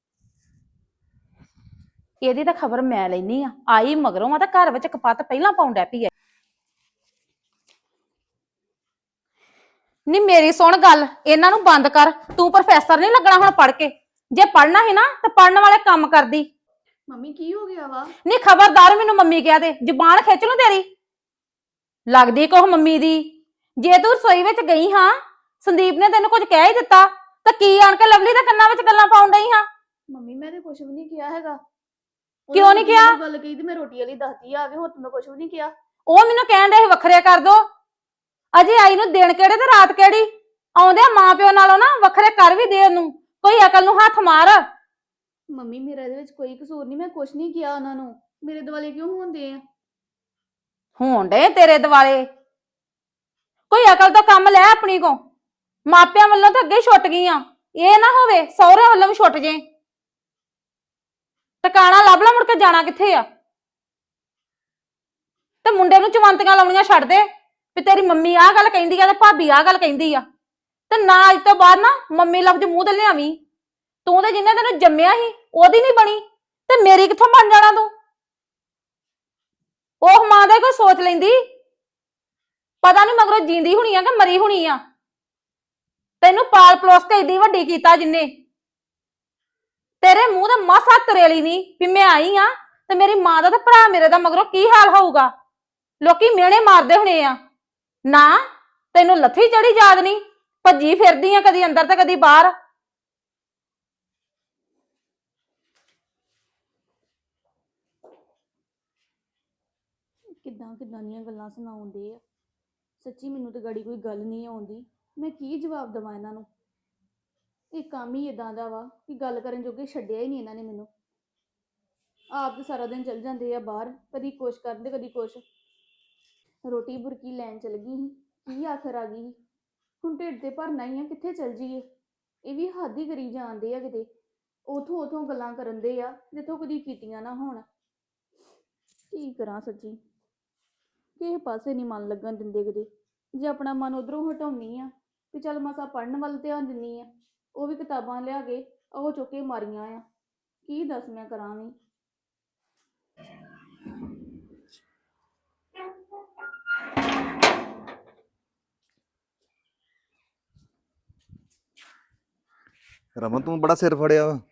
E: ਇਹਦੀ ਤਾਂ ਖਬਰ ਮੈਂ ਲੈਣੀ ਆ, ਆਈ ਮਗਰੋਂ ਆ ਤਾਂ ਘਰ ਵਿੱਚ ਕਪੱਤ ਪਹਿਲਾਂ ਪਾਉਣ ਡੈ ਪਈ ਐ। ਨੀ ਮੇਰੀ ਸੁਣ ਗੱਲ, ਇਹਨਾਂ ਨੂੰ ਬੰਦ ਕਰ। ਤੂੰ ਪ੍ਰੋਫੈਸਰ ਨਹੀਂ ਲੱਗਣਾ ਹੁਣ ਪੜ ਕੇ। ਜੇ ਪੜਨਾ ਸੀ ਨਾ ਤੇ ਪੜਨ ਵਾਲੇ ਕੰਮ ਕਰਦੀ।
B: ਮੰਮੀ ਕੀ ਹੋ ਗਿਆ ਵਾ?
E: ਨੀ ਖਬਰਦਾਰ ਮੈਨੂੰ ਮੰਮੀ ਕਿਹਾ ਤੇ ਜ਼ੁਬਾਨ ਖਿੱਚ ਲੂ ਤੇਰੀ। ਲੱਗਦੀ ਕੋਹ ਮੰਮੀ ਦੀ। ਜੇ ਤੂੰ ਰਸੋਈ ਵਿੱਚ ਗਈ ਹਾਂ, ਸੰਦੀਪ ਨੇ ਤੈਨੂੰ ਕੁਝ ਕਹਿ ਹੀ ਦਿੱਤਾ ਤਾਂ ਕੀ ਆਣ ਕੇ ਲਵਲੀ ਦੇ ਕੰਨਾਂ ਵਿੱਚ ਗੱਲਾਂ ਪਾਉਣ ਡਈ ਹਾਂ?
B: ਮੰਮੀ ਮੈਂ ਤੇ ਕੁਝ ਵੀ ਨਹੀਂ ਕਿਹਾ ਹੈਗਾ।
E: ਕਿਉਂ
B: ਉਹਨਾਂ
E: ਨੀ
B: ਨੇ
E: ਕਿਹਾ?
B: ਮੈਨੂੰ ਗੱਲ ਕਹੀ ਤੇ ਮੈਂ ਰੋਟੀ ਵਾਲੀ ਦੱਸਦੀ ਆ ਕੇ, ਹੋਰ ਤਾਂ ਮੈਂ ਕੁਝ ਵੀ ਨਹੀਂ ਕਿਹਾ।
E: ਉਹ ਮੈਨੂੰ ਕਹਿਣ ਦੇ ਵੱਖਰੇ ਕਰ ਦੋ। ਅਜੇ ਆਈ ਨੂੰ ਦਿਨ ਕਿਹੜੇ ਤੇ ਰਾਤ ਕਿਹੜੀ? ਆਉਂਦੇ ਮਾਂ ਪਿਓ ਨਾਲੋਂ ਨਾ ਵੱਖਰੇ ਕਰ ਵੀ ਦੇ ਉਹਨੂੰ। ਕੋਈ ਅਕਲ ਨੂੰ ਹੱਥ ਮਾਰ।
B: ਮੰਮੀ ਮੇਰਾ ਇਹਦੇ ਵਿੱਚ ਕੋਈ ਕਸੂਰ ਨਹੀਂ, ਮੈਂ ਕੁਝ ਨਹੀਂ ਕਿਹਾ ਉਹਨਾਂ ਨੂੰ। ਮੇਰੇ ਦੁਆਲੇ ਕਿਉਂ ਹੁੰਦੇ ਆ?
E: ਹੋਣ ਡੇ ਤੇਰੇ ਦਿਵਾਲੇ। ਕੋਈ ਅਕਲ ਤੋਂ ਕੰਮ ਲੈ ਆਪਣੀ ਕੋ। ਮਾਪਿਆਂ ਵੱਲੋਂ ਤਾਂ ਅੱਗੇ ਹੀ ਛੁੱਟ ਗਈਆਂ, ਇਹ ਨਾ ਹੋਵੇ ਸਹੁਰੇ ਵੱਲੋਂ ਵੀ ਛੁੱਟ ਜੇ। ਟਿਕਾਣਾ ਲੱਭ ਲਾ, ਮੁੜ ਕੇ ਜਾਣਾ ਕਿੱਥੇ ਆ? ਤੇ ਮੁੰਡੇ ਨੂੰ ਚਵੰਤੀਆਂ ਲਾਉਣੀਆਂ ਛੱਡ ਦੇ ਵੀ ਤੇਰੀ ਮੰਮੀ ਆਹ ਗੱਲ ਕਹਿੰਦੀ ਆ ਤੇ ਭਾਬੀ ਆਹ ਗੱਲ ਕਹਿੰਦੀ ਆ। ਤੇ ਨਾ ਅੱਜ ਤੋਂ ਬਾਅਦ ਨਾ ਮੰਮੀ ਲਫ਼ਜ਼ ਮੂੰਹ ਤੇ ਲਿਆਵੀਂ। ਤੂੰ ਤੇ ਜਿੰਨੇ ਤੈਨੂੰ ਜੰਮਿਆ ਸੀ ਉਹਦੀ ਨਹੀਂ ਬਣੀ ਤੇ ਮੇਰੀ ਕਿੱਥੋਂ ਬਣ ਜਾਣਾ ਤੂੰ? ਉਹ ਮਾਂ ਦਾ ਕੋਈ ਸੋਚ ਲੈਂਦੀ, ਪਤਾ ਨਹੀਂ ਮਗਰੋਂ ਜੀਂਦੀ ਹੋਣੀ ਆ ਕਿ ਮਰੀ ਹੋਣੀ ਆ। ਤੈਨੂੰ ਪਾਲ ਪਲੋਸ ਕੇ ਏਡੀ ਵੱਡੀ ਕੀਤਾ ਜਿੰਨੇ, ਤੇਰੇ ਮੂੰਹ ਤੇ ਮਾਸਾ ਤਰੇਲੀ ਨਹੀਂ ਵੀ ਮੈਂ ਆਈ ਆ ਤੇ ਮੇਰੀ ਮਾਂ ਦਾ ਤੇ ਭਰਾ ਮੇਰੇ ਦਾ ਮਗਰੋਂ ਕੀ ਹਾਲ ਹੋਊਗਾ। ਲੋਕੀ ਮਿਹਣੇ ਮਾਰਦੇ ਹੋਣੇ ਆ ਨਾ। ਤੈਨੂੰ ਲੱਥੀ ਚੜੀ ਯਾਦ ਨਹੀਂ, ਭੱਜੀ ਫਿਰਦੀ ਆ ਕਦੀ ਅੰਦਰ ਤੇ ਕਦੀ ਬਾਹਰ।
B: ਕਿੱਦਾਂ ਕਿੱਦਾਂ ਦੀਆਂ ਗੱਲਾਂ ਸੁਣਾਉਂਦੇ ਆ। ਸੱਚੀ ਮੈਨੂੰ ਤੇ ਗਾੜੀ ਕੋਈ ਗੱਲ ਨਹੀਂ ਆਉਂਦੀ, ਮੈਂ ਕੀ ਜਵਾਬ ਦੇਵਾਂ ਇਹਨਾਂ ਨੂੰ। ਇਹ ਕੰਮ ਹੀ ਇਦਾਂ ਦਾ ਵਾ ਕਿ ਗੱਲ ਕਰਨ ਜੋਗੇ ਛੱਡਿਆ ਹੀ ਨਹੀਂ ਇਹਨਾਂ ਨੇ ਮੈਨੂੰ। ਆਪ ਤੇ ਸਾਰਾ ਦਿਨ ਚਲ ਜਾਂਦੇ ਆ ਬਾਹਰ, ਕਦੀ ਕੁਛ ਕਰਦੇ ਕਦੀ ਕੁਛ। ਰੋਟੀ ਬੁਰਕੀ ਲੈਣ ਚਲ ਗਈ ਸੀ, ਕੀ ਆਖਰ ਆ ਗਈ ਸੀ। ਹੁਣ ਢਿੱਡ ਤੇ ਭਰਨਾ ਹੀ ਆ, ਕਿੱਥੇ ਚਲ ਜੀਏ। ਇਹ ਵੀ ਹੱਦ ਹੀ ਕਰੀ ਜਾਂਦੇ ਆ ਕਿਤੇ। ਉਥੋਂ ਉਥੋਂ ਗੱਲਾਂ ਕਰਨ ਦੇ ਆ ਜਿੱਥੋਂ ਕਦੀ ਕੀਤੀਆਂ ਨਾ ਹੋਣ। ਕੀ ਕਰਾਂ ਸੱਚੀ, ਕਿਸੇ ਪਾਸੇ ਨਹੀਂ ਮਨ ਲੱਗਣ ਦਿੰਦੇ ਕਿਤੇ। ਜੇ ਆਪਣਾ ਮਨ ਉਧਰੋਂ ਹਟਾਉਣੀ ਆ ਵੀ ਚੱਲ ਮਸਾ ਪੜ੍ਹਨ ਵੱਲ ਧਿਆਨ ਦਿੰਨੀ ਆ, ਉਹ ਵੀ ਕਿਤਾਬਾਂ ਲਿਆ ਕੇ ਉਹ ਚੁੱਕੇ ਮਾਰੀਆਂ ਆ। ਕੀ ਦੱਸ ਮੈਂ ਕਰਾਂ ਵੀ।
D: ਰਮਨ ਤੂੰ ਬੜਾ ਸਿਰ ਫੜਿਆ ਵਾ।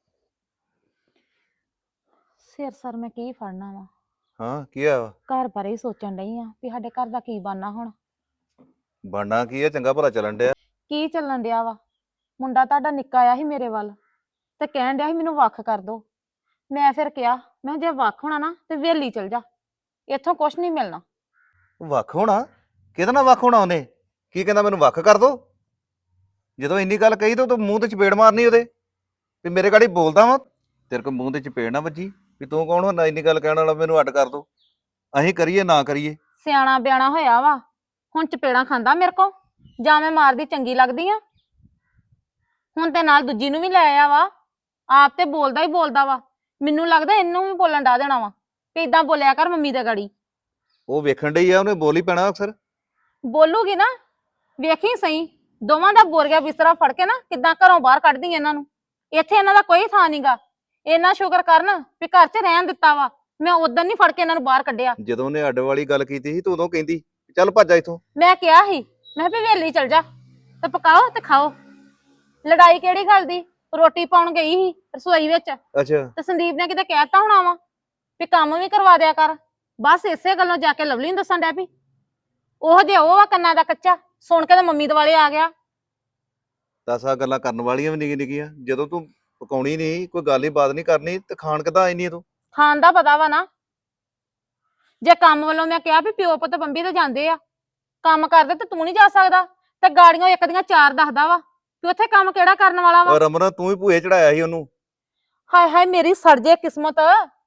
E: ਸਿਰ ਸਰ ਮੈਂ ਕੀ ਫੜਨਾ ਵਾ,
D: ਹਾਂ ਕੀ ਹੋਇਆ ਵਾ?
E: ਘਰ ਬਾਰੇ ਹੀ ਸੋਚਣ ਡਈ ਆ ਵੀ ਸਾਡੇ ਘਰ ਦਾ ਕੀ ਬਣਨਾ ਹੁਣ।
D: ਬਣਨਾ ਕੀ ਆ, ਚੰਗਾ ਭਲਾ ਚੱਲਣ ਡਿਆ।
E: ਕੀ ਚੱਲਣ ਡਿਆ ਵਾ? ਮੁੰਡਾ ਤੁਹਾਡਾ ਨਿੱਕਾ ਆਇਆ ਸੀ ਮੇਰੇ ਵੱਲ ਤੇ ਕਹਿਣ ਡਿਆ ਸੀ ਮੈਨੂੰ ਵੱਖ ਕਰ ਦੋ। ਮੈਂ ਫਿਰ ਕਿਹਾ, ਮੈਂ ਕਿਹਾ ਜੇ ਵੱਖ ਹੋਣਾ ਨਾ ਤੇ ਵੇਲੀ ਚਲ ਜਾ, ਇੱਥੋਂ ਕੁਛ ਨਹੀਂ ਮਿਲਣਾ।
D: ਵੱਖ ਹੋਣਾ? ਕਿਹਦੇ ਨਾਲ ਵੱਖ ਹੋਣਾ ਉਹਨੇ? ਕੀ ਕਹਿੰਦਾ ਮੈਨੂੰ ਵੱਖ ਕਰ ਦੋ? ਜਦੋਂ ਇੰਨੀ ਗੱਲ ਕਹੀ ਤਾਂ ਤੂੰ ਮੂੰਹ ਤੇ ਚਪੇੜ ਮਾਰਨੀ ਉਹਦੇ ਵੀ ਮੇਰੇ ਗਾੜੀ ਬੋਲਦਾ ਵਾ। ਤੇਰੇ ਕੋਲ ਮੂੰਹ ਤੇ ਚਪੇੜ ਨਾ ਵੱਜੀ ਵੀ ਤੂੰ ਕੌਣ ਹੁੰਦਾ ਇੰਨੀ ਗੱਲ ਕਹਿਣ ਵਾਲਾ, ਮੈਨੂੰ ਅੱਡ ਕਰ ਦੋ। ਅਸੀਂ ਕਰੀਏ ਨਾ ਕਰੀਏ?
E: ਸਿਆਣਾ ਬਿਆਣਾ ਹੋਇਆ ਵਾ, ਹੁਣ ਚਪੇੜਾਂ ਖਾਂਦਾ ਮੇਰੇ ਕੋ? ਜਾਂ ਮੈਂ ਮਾਰਦੀ ਚੰਗੀ ਲੱਗਦੀ ਆ? ਹੁਣ ਤੇ ਨਾਲ ਦੂਜੀ ਨੂੰ ਵੀ ਲੈ ਆਇਆ ਵਾ, ਆਪ ਤੇ ਬੋਲਦਾ ਹੀ ਬੋਲਦਾ ਵਾ। ਮੈਨੂੰ ਲੱਗਦਾ ਇਹਨੂੰ ਵੀ ਬੋਲਣ ਡਾ ਦੇਣਾ ਵਾ ਕਿ ਇਦਾਂ ਬੋਲਿਆ ਕਰ ਮੰਮੀ ਦੇ ਗਾੜੀ।
D: ਉਹ ਵੇਖਣ ਡਈ ਆ, ਉਹਨੇ ਬੋਲ ਹੀ ਪੈਣਾ ਅਕਸਰ।
E: ਬੋਲੂਗੀ ਨਾ, ਵੇਖੀ ਸਹੀ ਦੋਵਾਂ ਦਾ ਬੋਰੀਆ ਬਿਸਤਰਾ ਫੜ ਕੇ ਨਾ ਕਿੱਦਾਂ ਘਰੋਂ ਬਾਹਰ ਕੱਢਦੀ ਇਹਨਾਂ ਨੂੰ। ਇੱਥੇ ਇਹਨਾਂ ਦਾ ਕੋਈ ਥਾਂ ਨਹੀਂਗਾ। ਇਹਨਾਂ ਸ਼ੁਕਰ ਕਰਨ ਵੀ ਘਰ 'ਚ ਰਹਿਣ ਦਿੱਤਾ ਵਾ, ਮੈਂ ਉਦੋਂ ਨਹੀਂ ਫੜ ਕੇ ਇਹਨਾਂ ਨੂੰ ਬਾਹਰ ਕੱਢਿਆ।
D: ਜਦੋਂ ਉਹਨੇ ਅੱਡ ਵਾਲੀ ਗੱਲ ਕੀਤੀ ਸੀ ਤੂੰ ਉਦੋਂ ਕਹਿੰਦੀ ਚੱਲ ਭੱਜ ਜਾ ਇੱਥੋਂ।
E: ਮੈਂ ਕਿਹਾ ਸੀ, ਮੈਂ ਵੀ ਵੇਲੀ ਚਲ ਜਾ ਤੇ ਪਕਾਓ ਤੇ ਖਾਓ। ਲੜਾਈ ਕਿਹੜੀ ਗੱਲ ਦੀ? ਰੋਟੀ ਪਾਉਣ ਗਈ ਸੀ ਰਸੋਈ ਵਿੱਚ
D: ਅੱਛਾ
E: ਤੇ ਸੰਦੀਪ ਨੇ ਕਿਤੇ ਕਹਿਤਾ ਹੋਣਾ ਵਾ ਵੀ ਕੰਮ ਵੀ ਕਰਵਾ ਦਿਆ ਕਰ। ਬਸ ਇਸੇ ਗੱਲੋਂ ਜਾ ਕੇ ਲਵਲੀ ਨੂੰ ਦੱਸਣ ਡੈ ਪਈ। ਉਹ ਜੇ ਉਹ ਆ ਕੰਨਾਂ ਦਾ ਕੱਚਾ, ਸੁਣ ਕੇ ਤੇ ਮੰਮੀ ਦੁਆਲੇ ਆ ਗਿਆ।
D: ਦਸ ਆ ਗੱਲਾਂ ਕਰਨ ਵਾਲੀਆਂ ਵੀ ਨਿੱਕੀ ਨਿੱਕੀਆਂ। ਜਦੋਂ ਤੂੰ ਪਕਾਉਣੀ ਨਹੀਂ, ਕੋਈ ਗੱਲ ਹੀ ਬਾਤ ਨਹੀਂ ਕਰਨੀ ਤੇ ਖਾਣ ਕਿੱਦਾਂ ਆਈ ਨਹੀਂ ਤੂੰ?
E: ਖਾਣ ਦਾ ਪਤਾ ਵਾ ਨਾ। ਜੇ ਕੰਮ ਵੱਲੋਂ ਮੈਂ ਕਿਹਾ ਵੀ ਪਿਓ ਪੁੱਤ ਬੰਬੀ ਤੇ ਜਾਂਦੇ ਆ, ਕੰਮ ਕਰਦੇ ਤੇ ਤੂੰ ਨਹੀਂ ਜਾ ਸਕਦਾ, ਤੇ ਗਾੜੀਆਂ ਇੱਕ ਦੀਆਂ ਚਾਰ ਦੱਸਦਾ ਵਾ ਕਿ ਉੱਥੇ ਕੰਮ ਕਿਹੜਾ ਕਰਨ ਵਾਲਾ ਵਾ।
D: ਔਰ ਰਮਨ ਤੂੰ ਵੀ ਭੂਏ ਚੜਾਇਆ ਸੀ ਉਹਨੂੰ।
E: ਹਾਏ ਹਾਏ ਮੇਰੀ ਸੜ ਜੇ ਕਿਸਮਤ,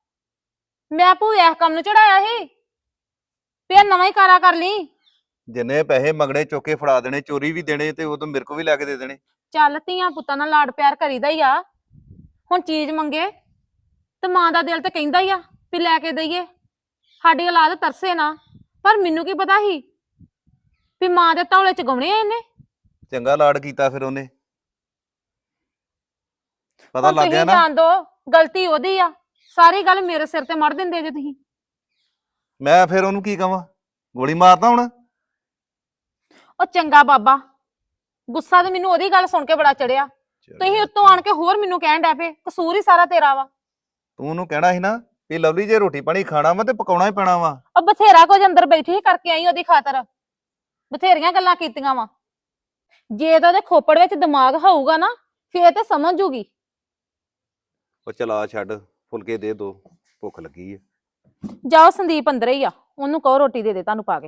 E: ਮੈਂ ਭੂਏ ਇਸ ਕੰਮ ਨੂੰ ਚੜਾਇਆ ਸੀ। ਫੇਰ ਨਵਾਂ ਹੀ ਕਾਰਾ ਕਰ ਲਈ।
D: ਜਿੰਨੇ ਪੈਸੇ ਮੰਗਣੇ ਚੁੱਕ ਕੇ ਫੜਾ ਦੇਣੇ, ਚੋਰੀ ਵੀ ਦੇਣੇ ਤੇ ਉਦੋਂ ਮੇਰੇ ਕੋ ਵੀ ਲੈ ਕੇ ਦੇ ਦੇਣੇ।
E: ਚੱਲ ਧੀਆਂ ਪੁੱਤਾਂ ਨਾਲ ਲਾਡ ਪਿਆਰ ਕਰੀਦਾ ਹੀ ਆ। ਹੁਣ ਚੀਜ਼ ਮੰਗੇ ਤੇ ਮਾਂ ਦਾ ਦਿਲ ਤੇ ਕਹਿੰਦਾ ਹੀ ਆ ਵੀ ਲੈ ਕੇ ਦਈਏ। ਸਾਡੀ ਔਲਾਦ ਤਰਸੇ ਨਾ, ਪਰ ਮੈਨੂੰ ਕੀ ਪਤਾ ਸੀ ਵੀ ਮਾਂ ਦੇ ਤੌਲੇ ਚ ਗਾਉਣੇ ਆ ਇਹਨੇ।
D: ਚੰਗਾ ਲਾਡ ਕੀਤਾ ਫਿਰ ਉਹਨੇ, ਪਤਾ
E: ਹੁਣ
D: ਲੱਗ ਗਿਆ
E: ਤੁਸੀਂ
D: ਨਾ।
E: ਜਾਣ ਦੋ, ਗਲਤੀ ਉਹਦੀ ਆ। ਸਾਰੀ ਗੱਲ ਮੇਰੇ ਸਿਰ ਤੇ ਮੜ ਦਿੰਦੇ ਜੇ ਤੁਸੀਂ।
D: ਮੈਂ ਫਿਰ ਉਹਨੂੰ ਕੀ ਕਵਾਂ? ਗੋਲੀ ਮਾਰਦਾ ਹੁਣ?
E: ਉਹ ਚੰਗਾ ਬਾਬਾ, ਗੁੱਸਾ ਤੇ ਮੈਨੂੰ ਉਹਦੀ ਗੱਲ ਸੁਣ ਕੇ ਬੜਾ ਚੜਿਆ। ਤੁਸੀਂ ਉੱਤੋਂ ਆਣ ਕੇ ਹੋਰ ਮੈਨੂੰ ਕਹਿਣ ਡੈ ਪਏ ਕਸੂਰ ਹੀ ਸਾਰਾ ਤੇਰਾ ਵਾ।
D: ਤੂੰ ਉਹਨੂੰ ਕਹਿਣਾ ਸੀ ਨਾ ਵੀ ਲਵਲੀ ਜੇ ਰੋਟੀ ਪਾਣੀ ਖਾਣਾ ਵਾ ਤੇ ਪਕਾਉਣਾ ਹੀ ਪੈਣਾ ਵਾ।
E: ਉਹ ਬਥੇਰਾ ਕੁਝ ਅੰਦਰ ਬੈਠੀ ਕਰਕੇ ਆਈ ਉਹਦੀ ਖਾਤਰ, ਬਥੇਰੀਆਂ ਗੱਲਾਂ ਕੀਤੀਆਂ ਵਾ। ਜੇ ਤਾਂ ਉਹਦੇ ਖੋਪੜ ਵਿੱਚ ਦਿਮਾਗ ਹੋਊਗਾ ਨਾ ਫੇਰ ਤੇ ਸਮਝ ਜੂਗੀ।
D: ਉਹ ਚਲਾ ਛੱਡ, ਫੁਲਕੇ ਦੇ ਦੋ, ਭੁੱਖ ਲੱਗੀ ਹੈ।
E: ਜਾਓ ਸੰਦੀਪ ਅੰਦਰ ਹੀ ਆ, ਉਹਨੂੰ ਕਹੋ ਰੋਟੀ ਦੇ ਦੇ ਤੁਹਾਨੂੰ ਪਾ ਕੇ।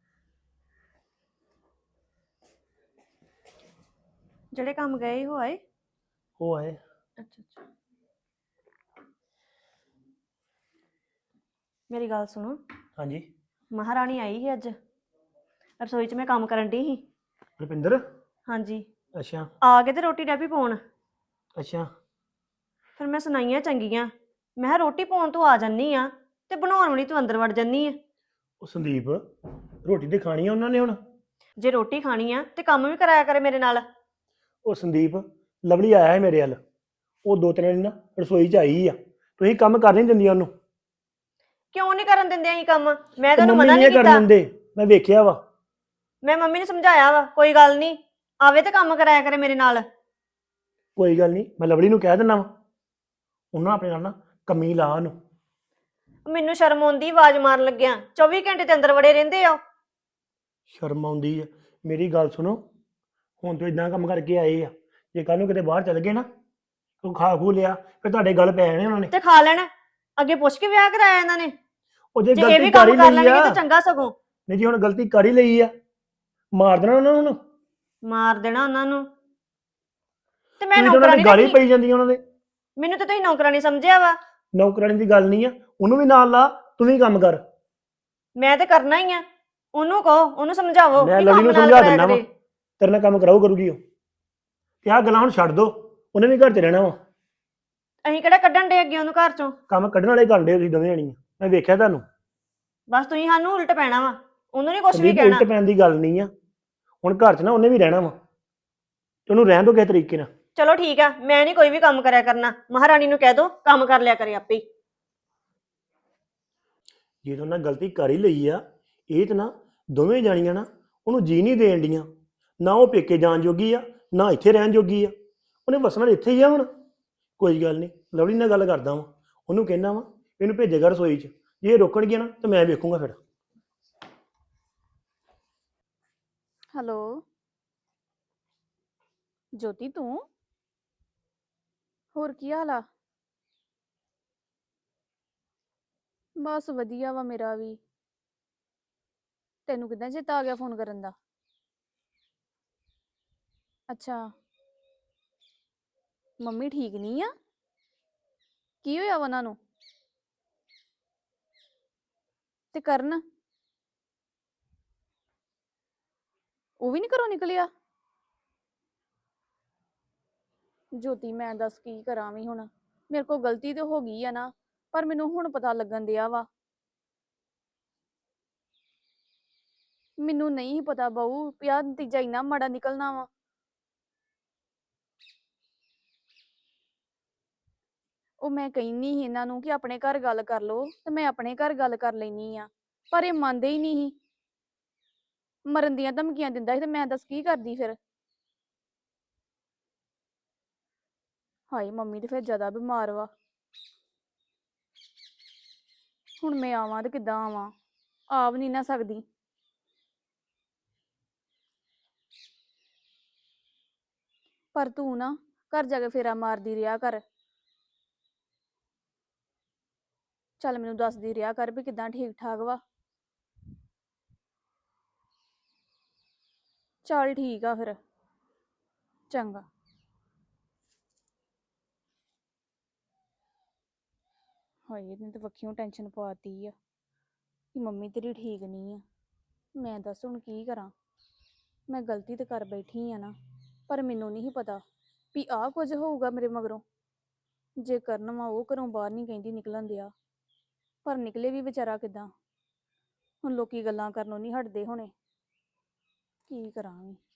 A: ਜਿਹੜੇ ਕੰਮ ਗਏ ਹੋ ਆਏ?
F: ਉਹ ਆਏ।
A: ਅੱਛਾ ਅੱਛਾ, ਮੇਰੀ ਗੱਲ ਸੁਣੋ।
F: ਹਾਂਜੀ
A: ਮਹਾਰਾਣੀ ਆਈ ਸੀ ਅੱਜ, ਰਸੋਈ 'ਚ ਮੈਂ ਕੰਮ ਕਰਨ ਡਈ ਸੀ।
F: ਰੁਪਿੰਦਰ?
A: ਹਾਂਜੀ,
F: ਅੱਛਾ
A: ਆ ਕੇ ਤੇ ਰੋਟੀ ਡੈਪੀ ਪਾਉਣ।
F: ਅੱਛਾ
A: ਫਿਰ ਮੈਂ ਸੁਣਾਈਆਂ ਚੰਗੀਆਂ, ਮੈਂ ਕਿਹਾ ਰੋਟੀ ਪਾਉਣ ਤੂੰ ਆ ਜਾਨੀ ਆ ਤੇ ਬਣਾਉਣ ਵਾਲੀ ਤੂੰ ਅੰਦਰ ਵੜ ਜਾਨੀ ਆ।
F: ਉਹ ਸੰਦੀਪ, ਰੋਟੀ ਤੇ ਖਾਣੀ ਆ ਉਹਨਾਂ ਨੇ ਹੁਣ।
A: ਜੇ ਰੋਟੀ ਖਾਣੀ ਆ ਤੇ ਕੰਮ ਵੀ ਕਰਾਇਆ ਕਰੇ ਮੇਰੇ ਨਾਲ।
F: ਉਹ ਸੰਦੀਪ, ਲਵਲੀ ਆਇਆ ਹੈ ਮੇਰੇ ਵੱਲ। ਉਹ ਦੋ ਤਿੰਨ ਦਿਨ ਨਾ ਰਸੋਈ 'ਚ ਆਈ ਆ। ਤੁਸੀਂ ਕੰਮ ਕਰ ਨਹੀਂ ਦਿੰਦੀਆਂ ਉਹਨੂੰ।
A: ਕਿਉਂ ਨਹੀਂ ਕਰਨ ਦਿੰਦੇ ਅਸੀਂ ਕੰਮ? ਮੈਂ
F: ਤੇ
A: ਤੁਹਾਨੂੰ
F: ਮੰਮੀ
A: ਮਨਾ
F: ਨਹੀਂ
A: ਨਹੀਂ
F: ਕਰਨ
A: ਕੀਤਾ।
F: ਦਿੰਦੇ, ਮੈਂ ਵੇਖਿਆ ਵਾ।
A: ਮੈਂ ਮੰਮੀ ਨੂੰ ਸਮਝਾਇਆ ਵਾ, ਕੋਈ ਗੱਲ ਨਹੀਂ, ਆਵੇ ਤੇ ਕੰਮ ਕਰਾਇਆ ਕਰੇ ਮੇਰੇ ਨਾਲ।
F: ਕੋਈ ਗੱਲ ਨਹੀਂ, ਮੈਂ ਲਵਲੀ ਨੂੰ ਕਹਿ ਦਿੰਦਾ ਵਾ। ਉਹਨਾਂ ਆਪਣੇ ਨਾਲ ਨਾ ਕਮੀ ਲਾ ਉਹਨੂੰ।
A: ਮੈਨੂੰ ਸ਼ਰਮ ਆਉਂਦੀ ਆਵਾਜ਼ ਮਾਰਨ ਲੱਗਿਆ। ਚੌਵੀ ਘੰਟੇ ਤੇ ਅੰਦਰ ਵੜੇ ਰਹਿੰਦੇ ਆ।
F: ਸ਼ਰਮ ਆਉਂਦੀ ਆ? ਮੇਰੀ ਗੱਲ ਸੁਣੋ, ਹੁਣ ਤੋਂ ਇਦਾਂ ਕੰਮ ਕਰਕੇ ਆਏ ਆ, ਜੇ ਕੱਲ ਨੂੰ ਕਿਤੇ ਬਾਹਰ ਚੱਲ ਗਏ ਨਾ, ਤੂੰ ਖਾ ਖੂ ਲਿਆ, ਫਿਰ ਤੁਹਾਡੇ ਗੱਲ ਪੈ ਜਾਣੇ ਉਹਨਾਂ ਨੇ।
A: ਤੇ ਖਾ ਲੈਣ। ਅੱਗੇ ਪੁੱਛ ਕੇ ਵਿਆਹ ਕਰਾਇਆ ਇਹਨਾਂ ਨੇ।
F: ਉਹ ਜੇ
A: ਜੇ ਇਹ
F: ਗਲਤੀ
A: ਵੀ
F: ਕਰ
A: ਕੰਮ
F: ਹੀ
A: ਕਰ
F: ਲਈ
A: ਲੈਣਗੇ
F: ਆ,
A: ਤਾਂ ਚੰਗਾ ਸਗੋਂ।
F: ਨਹੀਂ ਜੀ ਹੁਣ ਗਲਤੀ ਕਰ ਹੀ ਲਈ ਆ, ਮਾਰ ਦੇਣਾ ਉਹਨਾਂ ਨੂੰ।
A: ਮਾਰ ਦੇਣਾ ਉਹਨਾਂ ਨੂੰ। ਤੇ ਮੈਂ
F: ਤੁਸੀਂ ਤਾਂ ਉਹਨਾਂ
A: ਨੌਕਰਾਨੀ
F: ਦੀ ਗਾਲੀ
A: ਰੱਖੀ?
F: ਪਈ ਜਾਂਦੀ ਉਹਨਾਂ ਦੇ।
A: ਮੈਨੂੰ ਤਾਂ ਤੁਸੀਂ ਨੌਕਰਾਨੀ ਸਮਝਿਆ ਵਾ।
F: ਨੌਕਰਾਨੀ ਦੀ ਗੱਲ ਨਹੀਂ ਆ, ਉਹਨੂੰ ਵੀ ਨਾਲ ਲਾ, ਤੂੰ ਵੀ ਕੰਮ ਕਰ।
A: ਮੈਂ ਤੇ ਕਰਨਾ ਹੀ ਆ। ਉਹਨੂੰ ਕਹੋ, ਉਹਨੂੰ ਸਮਝਾਵੋ
F: ਮੈਂ
A: ਕਿ
F: ਲਵਲੀ
A: ਕੰਮ
F: ਨੂੰ
A: ਨਾਲ
F: ਸਮਝਾ
A: ਕਰਾਇਆ
F: ਦਿੰਦਾ ਵਾ,
A: ਕਰੇ।
F: ਤੇਰੇ ਨਾਲ ਕੰਮ ਕਰਾਓ ਕਰੂਗੀ ਉਹ। ਤੇ ਆਹ ਗੱਲਾਂ ਹੁਣ ਛੱਡ ਦੋ, ਉਹਨੇ ਵੀ ਘਰ 'ਚ ਰਹਿਣਾ ਵਾ।
A: ਅਸੀਂ ਕਿਹੜਾ ਕੱਢਣ ਦੇ ਅੱਗੇ ਉਹਨੂੰ ਘਰ ਚੋਂ?
F: ਕੰਮ ਕੱਢਣ ਵਾਲੇ ਕਰਦੇ ਤੁਸੀਂ ਦੋਵੇਂ ਜਾਣੀਆਂ, ਮੈਂ ਵੇਖਿਆ ਤੁਹਾਨੂੰ।
A: ਬਸ ਤੁਸੀਂ ਸਾਨੂੰ ਉਲਟ ਪੈਣਾ ਵਾ, ਉਹਨੂੰ ਨਹੀਂ ਕੁਝ ਵੀ
F: ਸੰਦੀਪ
A: ਕਹਿਣਾ।
F: ਉਲਟ ਪੈਣ ਦੀ ਗੱਲ ਨਹੀਂ ਆ, ਹੁਣ ਘਰ 'ਚ ਨਾ ਉਹਨੇ ਵੀ ਰਹਿਣਾ ਵਾ, ਤੇ ਉਹਨੂੰ ਰਹਿਣ ਦੋ ਕਿਸੇ ਤਰੀਕੇ ਨਾਲ।
A: ਚਲੋ ਠੀਕ ਆ, ਮੈਂ ਨਹੀਂ ਕੋਈ ਵੀ ਕੰਮ ਕਰਿਆ ਕਰਨਾ। ਮਹਾਰਾਣੀ ਨੂੰ ਕਹਿ ਦੋ ਕੰਮ ਕਰ ਲਿਆ ਕਰੇ ਆਪੇ ਹੀ।
F: ਜੇ ਤਾਂ ਉਹਨਾਂ ਗਲਤੀ ਕਰ ਹੀ ਲਈ ਆ, ਇਹ ਤਾਂ ਨਾ ਦੋਵੇਂ ਜਾਣੀਆਂ ਨਾ ਉਹਨੂੰ ਜੀ ਨਹੀਂ ਦੇਣ ਡੀਆਂ। ਨਾ ਉਹ ਪੇਕੇ ਜਾਣ ਜੋਗੀ ਆ, ਨਾ ਇੱਥੇ ਰਹਿਣ ਜੋਗੀ ਆ। ਉਹਨੇ ਵਸਣਾ ਇੱਥੇ ਹੀ ਆ ਹੁਣ। ਕੋਈ ਗੱਲ ਨਹੀਂ, ਲਵਲੀ ਨਾਲ ਗੱਲ ਕਰਦਾ ਵਾਂ, ਉਹਨੂੰ ਕਹਿਣਾ ਵਾ ਇਹਨੂੰ ਭੇਜੇਗਾ ਰਸੋਈ 'ਚ। ਜੇ ਇਹ ਰੋਕਣਗੇ ਨਾ ਤਾਂ ਮੈਂ ਵੇਖੂੰਗਾ ਫਿਰ।
B: ਹੈਲੋ ਜੋਤੀ, ਤੂੰ? ਹੋਰ ਕੀ ਹਾਲ ਆ? ਬਸ ਵਧੀਆ ਵਾ ਮੇਰਾ ਵੀ। ਤੈਨੂੰ ਕਿੱਦਾਂ ਚੇਤਾ ਆ ਗਿਆ ਫੋਨ ਕਰਨ ਦਾ? ਅੱਛਾ, ਮੰਮੀ ਠੀਕ ਨਹੀਂ ਆ? ਕੀ ਹੋਇਆ ਵਾ ਉਹਨਾਂ ਨੂੰ? ਤੇ ਕਰਨ, ਉਹ ਵੀ ਨਹੀਂ ਘਰੋਂ ਨਿਕਲਿਆ? ਜੋਤੀ ਮੈਂ ਦੱਸ ਕੀ ਕਰਾਂ ਵੀ ਹੁਣ। ਮੇਰੇ ਕੋਲ ਗਲਤੀ ਤੇ ਹੋ ਗਈ ਆ ਨਾ, ਪਰ ਮੈਨੂੰ ਹੁਣ ਪਤਾ ਲੱਗਣ ਦਿਆ ਵਾ। ਮੈਨੂੰ ਨਹੀਂ ਪਤਾ ਬਹੂ ਵੀ ਆਹ ਨਤੀਜਾ ਇੰਨਾ ਮਾੜਾ ਨਿਕਲਣਾ ਵਾ। ਉਹ ਮੈਂ ਕਹਿੰਦੀ ਸੀ ਇਹਨਾਂ ਨੂੰ ਕਿ ਆਪਣੇ ਘਰ ਗੱਲ ਕਰ ਲਓ, ਤੇ ਮੈਂ ਆਪਣੇ ਘਰ ਗੱਲ ਕਰ ਲੈਣੀ ਆ, ਪਰ ਇਹ ਮੰਨਦੇ ਹੀ ਨਹੀਂ ਸੀ। ਮਰਨ ਦੀਆਂ ਧਮਕੀਆਂ ਦਿੰਦਾ ਸੀ, ਤੇ ਮੈਂ ਦੱਸ ਕੀ ਕਰਦੀ ਫਿਰ। ਹਾਏ ਮੰਮੀ ਤੇ ਫਿਰ ਜ਼ਿਆਦਾ ਬਿਮਾਰ ਵਾ। ਹੁਣ ਮੈਂ ਆਵਾਂ ਤੇ ਕਿੱਦਾਂ ਆਵਾਂ? ਆ ਵੀ ਨਹੀਂ ਨਾ ਸਕਦੀ। ਪਰ ਤੂੰ ਨਾ ਘਰ ਜਾ ਕੇ ਫੇਰਾ ਮਾਰਦੀ ਰਿਹਾ ਕਰ। ਚੱਲ ਮੈਨੂੰ ਦੱਸਦੀ ਰਿਹਾ ਕਰ ਵੀ ਕਿੱਦਾਂ ਠੀਕ ਠਾਕ ਵਾ। ਚੱਲ ਠੀਕ ਆ ਫਿਰ, ਚੰਗਾ। ਹਾਏ ਇਹਨੇ ਤਾਂ ਵੱਖੀਓਂ ਟੈਨਸ਼ਨ ਪਾਤੀ ਆ ਕਿ ਮੰਮੀ ਤੇਰੀ ਠੀਕ ਨਹੀਂ ਆ। ਮੈਂ ਦੱਸ ਹੁਣ ਕੀ ਕਰਾਂ? ਮੈਂ ਗਲਤੀ ਤਾਂ ਕਰ ਬੈਠੀ ਆ ਨਾ, ਪਰ ਮੈਨੂੰ ਨਹੀਂ ਪਤਾ ਵੀ ਆਹ ਕੁਝ ਹੋਊਗਾ ਮੇਰੇ ਮਗਰੋਂ। ਜੇ ਕਰਨ ਵਾ ਉਹ ਘਰੋਂ ਬਾਹਰ ਨਹੀਂ ਕਹਿੰਦੀ ਨਿਕਲਣ ਦਿਆ, ਪਰ ਨਿਕਲੇ ਵੀ ਵਿਚਾਰਾ ਕਿੱਦਾਂ? ਹੁਣ ਲੋਕੀ ਗੱਲਾਂ ਕਰਨੋਂ ਨਹੀਂ ਹਟਦੇ ਹੋਣੇ। ਕੀ ਕਰਾਂ ਵੀ।